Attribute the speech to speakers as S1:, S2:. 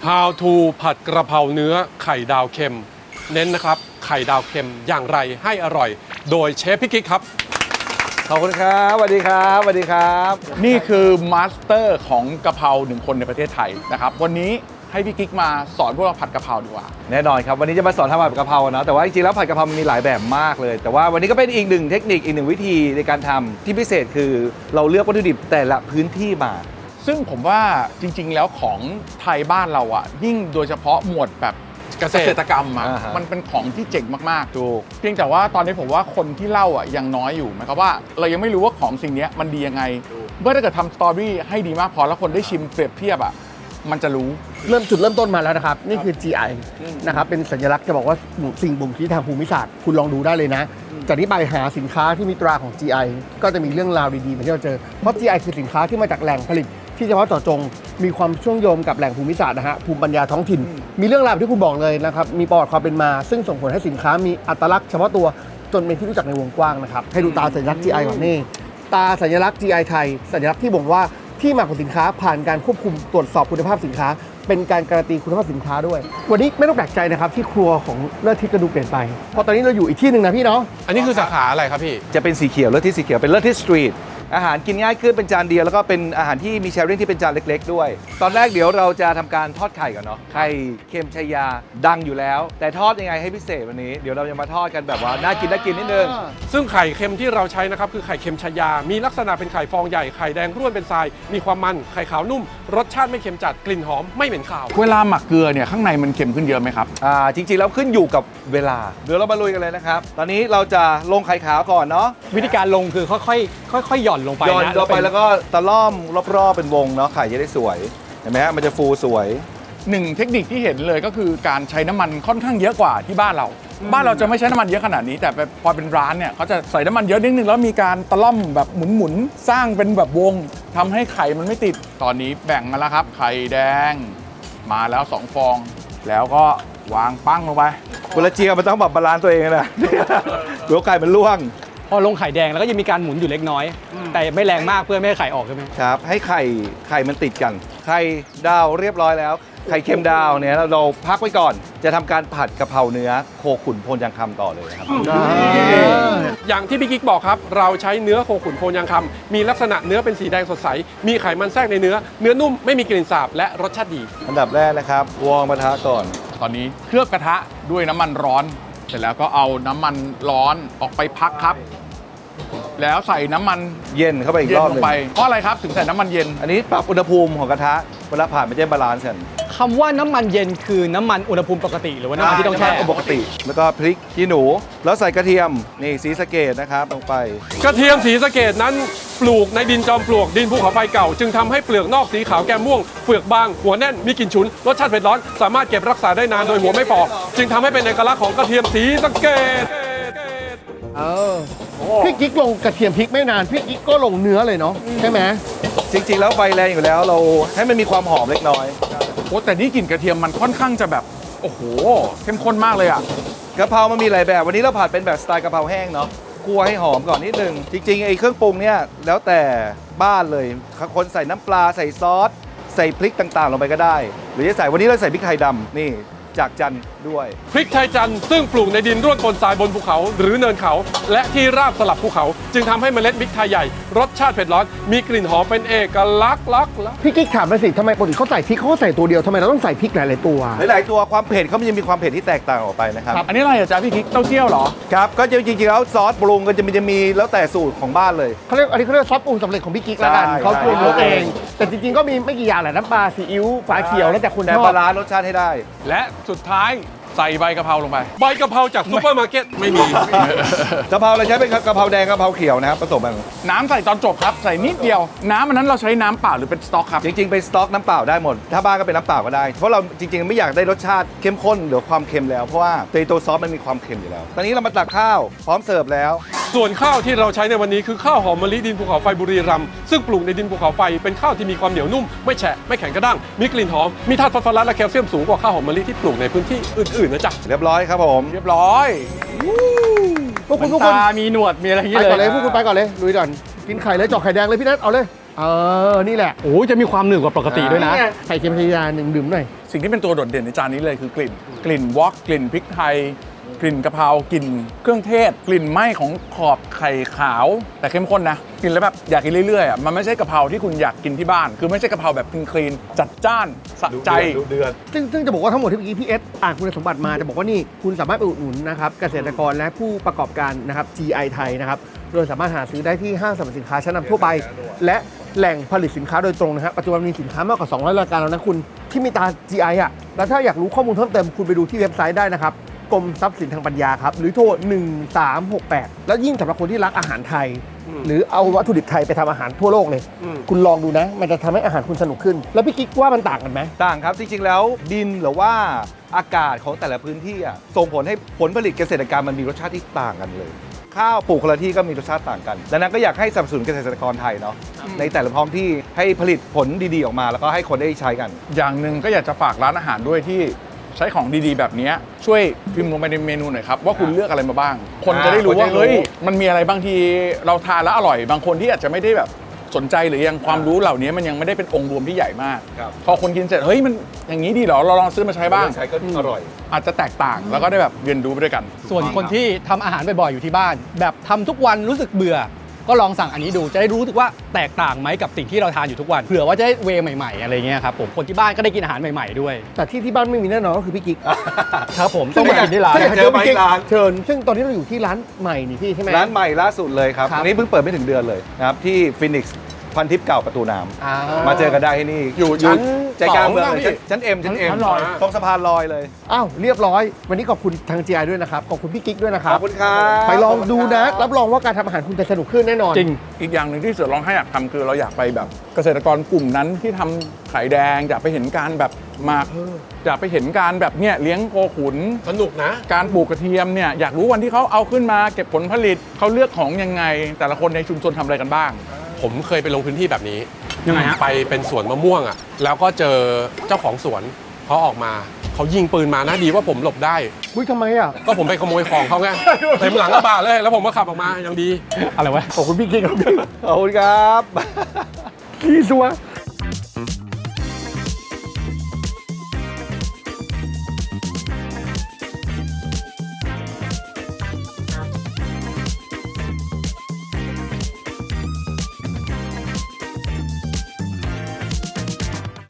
S1: How to ผัดกระเพราเนื้อไข่ดาวเค็มเน้นนะครับไข่ดาวเค็มอย่างไรให้อร่อยโดยเชฟพี่กิ๊กครับ
S2: ขอบคุณครับสวัสดีครับสวัสดีครับ
S3: นี่คือมาสเตอร์ของกะเพราหนึ่งคนในประเทศไทยนะครับวันนี้ให้พี่กิ๊กมาสอนพวกเราผัดกะเพราดีกว่า
S2: แน่นอนครับวันนี้จะมาสอนทำผัดกะเพราเนาะแต่ว่าจริงๆแล้วผัดกะเพรามันมีหลายแบบมากเลยแต่ว่าวันนี้ก็เป็นอีกหนึ่งเทคนิคอีกหนึ่งวิธีในการทำที่พิเศษคือเราเลือกวัตถุดิบแต่ละพื้นที่มา
S3: ซึ่งผมว่าจริงๆแล้วของไทยบ้านเราอ่ะยิ่งโดยเฉพาะหมวดแบบเกษตรกรรมอ่ะมันเป็นของที่เจ๋งมากๆถูกเพียงแต่ว่าตอนนี้ผมว่าคนที่เล่าอ่ะยังน้อยอยู่หมายความว่าเรายังไม่รู้ว่าของสิ่งนี้มันดียังไงเมื่อถ้าเกิดทำสตอรี่ให้ดีมากพอแล้วคนได้ชิมเปรียบเทียบอ่ะมันจะรู้
S4: จุดเริ่มต้นมาแล้วนะครับนี่คือ GI นะครับเป็นสัญลักษณ์จะบอกว่าสิ่งบ่งชี้ทางภูมิศาสตร์คุณลองดูได้เลยนะจากนี้ไปหาสินค้าที่มีตราของ GI ก็จะมีเรื่องราวดีๆมาที่เราเจอเพราะ GI คือสินค้าที่มาจากแหล่งผลิตที่เฉพาะเจาะจงมีความเชื่อมโยงกับแหล่งภูมิศาสตร์นะฮะภูมิปัญญาท้องถิ่นมีเรื่องราวที่คุณบอกเลยนะครับมีประวัติความเป็นมาซึ่งส่งผลให้สินค้ามีอัตลักษณ์เฉพาะตัวจนเป็นที่รู้จักในวงกว้างนะครับให้ดูตาสัญลักษณ์ GI ก่อนนี่ตาสัญลักษณ์ GI ไทยสัญลักษณ์ที่บ่งว่าที่มาของสินค้าผ่านการควบคุมตรวจสอบคุณภาพสินค้าเป็นการการันตีคุณภาพสินค้าด้วยวันนี้ไม่ต้องแปลกใจนะครับที่ครัวของเลิศทิศก็ดูเปลี่ยนไปเพราะตอนนี้เราอยู่อีกที่หนึ่งนะพี่เนาะ
S1: อันนี้คือสาขาอะไรครับพี่
S2: จะเป็นสีเขียวเลิศที่สีเขียวเป็นเลิศที่สตรีทอาหารกินง่ายขึ้นเป็นจานเดียวแล้วก็เป็นอาหารที่มีแชร์ริ่งที่เป็นจานเล็กๆด้วยตอนแรกเดี๋ยวเราจะทำการทอดไข่ก่อนเนาะไข่เค็มชายาดังอยู่แล้วแต่ทอดยังไงให้พิเศษวันนี้เดี๋ยวเราจะมาทอดกันแบบว่าน่ากินนิดนึง
S1: ซึ่งไข่เค็มที่เราใช้นะครับคือไข่เค็มชายามีลักษณะเป็นไข่ฟองใหญ่ไข่แดงร่วนเป็นทรายมีความมันไข่ขาวนุ่มรสชาติไม่เค็มจัดกลิ่นหอมไม่เหม็นคาว
S3: เวลาหมักเกลือเนี่ยข้างในมันเค็มขึ้นเยอะไหมครับ
S2: จริงๆแล้วขึ้นอยู่กับเวลาเดี๋ยวเรามาลุยกันเลยนะครับตอนนี้เราจะลงไข่ขาวก่อนเนาะ
S5: วิธีการลงคือค่อยหย่อนลงไป
S2: หย่อนลงไปแล้วก็ตะล่อมรอบๆเป็นวงเนาะไข่จะได้สวยเห็นไหมฮะมันจะฟูสวย
S3: หนึ่งเทคนิคที่เห็นเลยก็คือการใช้น้ำมันค่อนข้างเยอะกว่าที่บ้านเราจะไม่ใช้น้ำมันเยอะขนาดนี้แต่พอเป็นร้านเนี่ยเขาจะใส่น้ำมันเยอะนิดนึงแล้วมีการตะล่อมแบบหมุนสร้างเป็นแบบวงทำให้ไข่มันไม่ติดตอนนี้แบ่งมาแล้วครับไข่แดงมาแล้ว2 ฟองแล้วก็วางปั้งลงไป
S2: เวลาเจียวมันต้องแบบบาลานซ์ตัวเองนะเดี๋ยวไก่มันล่วง
S5: พอลงไข่แดงแล้วก็ยังมีการหมุนอยู่เล็กน้อยแต่ไม่แรงมากเพื่อไม่ให้ไข่ออกใช่ไหม
S2: ครับให้ไข่มันติดกันไข่ดาวเรียบร้อยแล้วไข่เค็มดาวเนี่ยเราพักไว้ก่อนจะทำการผัดกะเพราเนื้อโคขุนโพนยางคำต่อเลยครับ
S1: อย่างที่พี่กิ๊กบอกครับเราใช้เนื้อโคขุนโพนยางคำมีลักษณะเนื้อเป็นสีแดงสดใสมีไขมันแทรกในเนื้อนุ่มไม่มีกลิ่นสาบและรสชาติดี
S2: อันดับแรกนะครับวอร์มกระทะก่อน
S3: ตอนนี้เคลือบกระทะด้วยน้ำมันร้อนเสร็จแล้วก็เอาน้ำมันร้อนออกไปพักครับแล้วใส่น้ำมัน
S2: เย็นเข้าไปอีกรอบนึง
S3: เพราะอะไรครับถึงใส่น้ำมันเย็น
S2: อันนี้ปรับอุณหภูมิของกระทะเวลาผ่านมันจะบาลานซ์กัน
S5: คำว่าน้ำมันเย็นคือน้ำมันอุณหภูมิปกติหรือว่าน้ำมันที่ต้องแช่
S2: ปกติแล้วก็พริกขี้หนูแล้วใส่กระเทียมนี่ศรีสะเกษนะครับลงไป
S1: กระเทียมศรีสะเกษนั้นปลูกในดินจอมปลวกดินภูเขาไฟเก่าจึงทำให้เปลือกนอกสีขาวแก้มม่วงเปลือกบางหัวแน่นมีกลิ่นฉุนรสชาติเผ็ดร้อนสามารถเก็บรักษาได้นานโดยหัวไม่ฝ่อจึงทำให้เป็นเอกลักษณ์ของกระเทียมศรีสะเกษ
S4: พี่กิ๊กลงกระเทียมพริกไม่นานพี่กิ๊กก็ลงเนื้อเลยเนาะใช่ไหม
S2: จริงๆแล้วไฟแรงอยู่แล้วเราให้มันมีความหอมเล็กน้อย
S3: โอ้แต่นี่กลิ่นกระเทียมมันค่อนข้างจะแบบโอ้โหเข้มข้นมากเลยอ่ะ
S2: กะเพรามันมีหลายแบบวันนี้เราผัดเป็นแบบสไตล์กะเพราแห้งเนาะคั่วให้หอมก่อนนิดนึงจริงๆไอ้เครื่องปรุงเนี่ยแล้วแต่บ้านเลยคนใส่น้ำปลาใส่ซอสใส่พริกต่างๆลงไปก็ได้หรือจะใส่วันนี้เราใส่พริกไทยดำนี่จากจันด้วย
S1: พริกไทยจันซึ่งปลูกในดินร่วนปนทรายบนภูเขาหรือเนินเขาและที่ราบสลับภูเขาจึงทำให้เมล็ดพริกไทยใหญ่รสชาติเผ็ดร้อนมีกลิ่นหอมเป็นเอกลักษณ์
S4: พี่กิ๊กถามมาสิทำไมปกติเขาใส่พริกเขาใส่ตัวเดียวทำไมเราต้องใส่พริกหลายๆตัว
S2: หลายๆตัวความเผ็ดเขามันจะมีความเผ็ดที่แตกต่างออกไปนะครับ
S3: อันนี้อะไรอาจารย์พี่กิ๊กเต้าเจี้ยวเหรอ
S2: ครับก็จริงๆแล้วซอสปรุงก็จะมีแล้วแต่สูตรของบ้านเลย
S4: เขาเรียกอันนี้เขาเรียกซอสปรุงสำเร็จของพี่กิ๊กแล้วกันเขาปรุงรสเองแต่จริงๆก็มีไม่กี่อย่างแหละน้ำปลาซีอิ๊วฝาเขียวแล้วแต่คนชอบ
S2: แต่ปลาร้ารสชาติให้ได้
S3: และสุดท้ายใส่ใบกะเพราลงไป
S1: ใบกะเพราจากซุปเปอร์มาร์เก็ตไม่มี
S2: กะเพราเราใช้เป็นกะเพราแดงกะเพราเขียวนะครับผสมกัน
S3: น้ำใส่ตอนจบครับใส่นิดเดียวน้ำอันนั้นเราใช้น้ำเปล่าหรือเป็นสต๊อกครับ
S2: จริงๆเป็นสต๊อกน้ำเปล่าได้หมดถ้าบ้านก็เป็นน้ำเปล่าก็ได้เพราะเราจริงๆไม่อยากได้รสชาติเข้มข้นหรือความเค็มแล้วเพราะว่าตัวซอสมันมีความเค็มอยู่แล้วตอนนี้เรามาตักข้าวพร้อมเสิร์ฟแล้ว
S1: ส่วนข้าวที่เราใช้ในวันนี้คือข้าวหอมมะลิดินภูเขาไฟบุรีรัมย์ซึ่งปลูกในดินภูเขาไฟเป็นข้าวที่มีความเหนียวนุ่มไม่แฉะไม่แข็งกระด้างมีกลิ่นหอมมีธาตุฟอสฟอรัสและแคลเซียมสูงกว่าข้าวหอมมะลิที่ปลูกในพื้นที่อื่นๆนะจ๊ะ
S2: เรียบร้อยครับผม
S3: เรียบร้อย
S4: พวกคุณ
S5: มีหนวดมีอะไรอย่างเงี้
S4: ยเลยพวกคุณไปก่อนเลยลุยก่อนกินไข่เลยเจาะไข่แดงเลยพี่นัทเอาเลยนี่แหละ
S5: โอ้จะมีความหนืดกว่าปกติด้วยนะ
S4: ไข่เค็มชายาหนึ่งดื่มหน่อย
S3: สิ่งที่เป็นตัวโดดเด่นในจานนี้เลยคือกลิ่นวอกกลิ่นพริกไทย กลิ่นกะเพรากลิ่นเครื่องเทศ กลิ่นไหม้ของขอบไข่ขาวแต่เข้มข้นนะกินแล้วแบบอยากกินเรื่อยๆอ่ะมันไม่ใช่กะเพราที่คุณอยากกินที่บ้าน คือไม่ใช่กะเพราแบบคลีนๆจัดจ้านสะใจ
S4: ซึ่งจะบอกว่าทั้งหมดที่เมื่อกี้พี่เอสอ่านคุณสมบัติมาจะบอกว่านี่คุณสามารถไปอุดหนุนนะครับเกษตรกรและผู้ประกอบการนะครับ GI ไทยนะครับโดยสามารถหาซื้อได้ที่ห้างสรรพสินค้าชั้นนำทั่วไป และแหล่งผลิตสินค้าโดยตรงนะครับปัจจุบันมีสินค้ามากกว่า200รายการแล้วนะคุณที่มีตรา GI อ่ะแล้วถ้าอยากรู้ข้อมูลเพิ่มเติมคุณไปดูที่เว็บไซต์ได้นะครับกรมทรัพย์สินทางปัญญาครับหรือโทร 1368 แล้วยิ่งสำหรับคนที่รักอาหารไทย หรือเอาวัตถุดิบไทยไปทำอาหารทั่วโลกเลย คุณลองดูนะ มันจะทำให้อาหารคุณสนุกขึ้น แล้วพี่กิ๊กว่ามันต่างกันไหม
S2: ต่างครับจริงๆแล้วดินหรือว่าอากาศของแต่ละพื้นที่อะส่งผลให้ผลผลิตเกษตรกรรมมันมีรสชาติที่ต่างกันเลย ข้าวปลูกคนละที่ก็มีรสชาติต่างกันดังนั้นก็อยากให้สนับสนุนเกษตรกรไทยเนาะในแต่ละท้องที่ให้ผลิตผลดีๆออกมาแล้วก็ให้คนได้ใช้กัน
S3: อย่างหนึ่งก็อยากจะฝากร้านอาหารด้วยที่ใช้ของดีๆแบบนี้ช่วยพิมพ์ลงไปในเมนูหน่อยครับว่าคุณเลือกอะไรมาบ้าง คนจะได้รู้ว่าเฮ้ยมันมีอะไรบางทีเราทานแล้วอร่อยบางคนที่อาจจะไม่ได้แบบสนใจหรือยังความรู้เหล่านี้มันยังไม่ได้เป็นองค์รวมที่ใหญ่มาก
S2: ครับ
S3: พอคนกินเสร็จเฮ้ยมันอย่างนี้ดีเหรอเราลองซื้อมาใช้บ้าง
S2: ใช้ก็อร่อย
S3: อาจจะแตกต่างแล้วก็ได้แบบเรียนรู้ไปด้วยกัน
S5: ส่วนคนที่ทำอาหารบ่อยๆอยู่ที่บ้าน แบบทำทุกวันรู้สึกเบื่อ ก็ลองสั่งอันนี้ดูจะได้รู้สึกว่าแตกต่างไหมกับสิ่งที่เราทานอยู่ทุกวันเผื่อว่าจะได้เวย์ใหม่ๆอะไรเงี้ยครับผมคนที่บ้านก็ได้กินอาหารใหม่ๆด้วย
S4: แต่ที่บ้านไม่มีแน่นอนก็คือพี่กิ๊ก
S5: ครับผมต้องมากินที่ร้าน
S2: อยากเจอไหมร้าน
S4: เชิญซึ่งตอนนี้เราอยู่ที่ร้านใหม่นี่พี่ใช่ไหม
S2: ร้านใหม่ล่าสุดเลยครับ
S4: ครับ
S2: อันนี้เพิ่งเปิดไม่ถึงเดือนเลยนะครับที่ฟินิกซ์พันทิพย์เก่าประตูน้
S4: อ่า
S2: ำมาเจอกันได้ที่นี่
S3: อยู่
S2: ใจกลางเมือง
S3: สอง
S2: เลย
S3: พี่
S2: ชั้นเอ็มชั้นเอ็ม
S3: ชั้นลอย
S2: ตรงสะพานลอยเลย
S4: อ้าวเรียบร้อย วันนี้ขอบคุณทาง GI ด้วยนะครับขอบคุณพี่กิ๊กด้วยนะค
S2: ข
S4: รั
S2: อ
S4: บบ
S2: คุณครับ
S4: ไปลองดูนะรับรองว่าการทำอาหารคุณจะสนุกขึ้นแน่นอน
S5: จริง
S3: อีกอย่างหนึ่งที่เสือร้องไห้อยากทำคือเราอยากไปแบบเกษตรกรกลุ่มนั้นที่ทำไข่แดงอยากไปเห็นการแบบหมักอยากไปเห็นการแบบเนี่ยเลี้ยงโคขุน
S1: สนุกนะ
S3: การปลูกกระเทียมเนี่ยอยากรู้วันที่เขาเอาขึ้นมาเก็บผลผลิตเขาเลือกของยังไง แต่ละคนในชุมชนทำอะไรกันบ้าง
S1: ผมเคยไปลงพื้นที่แบบนี้
S5: ยังไงฮะ
S1: ไปเป็นสวนมะม่วงอ่ะแล้วก็เจอเจ้าของสวนเขาออกมาเขายิงปืนมานะดีว่าผมหลบได้
S4: อุ้ยทำไมอ่ะ
S1: ก็ผมไปขโมยของเขาไงเต็มหลังกระบะเลย แล้วผมก็ขับออกมายังดี
S5: อะไรวะ
S4: ขอบคุณพี่กิ๊กครับ
S2: ขอบคุณครับ
S4: พี่ซัว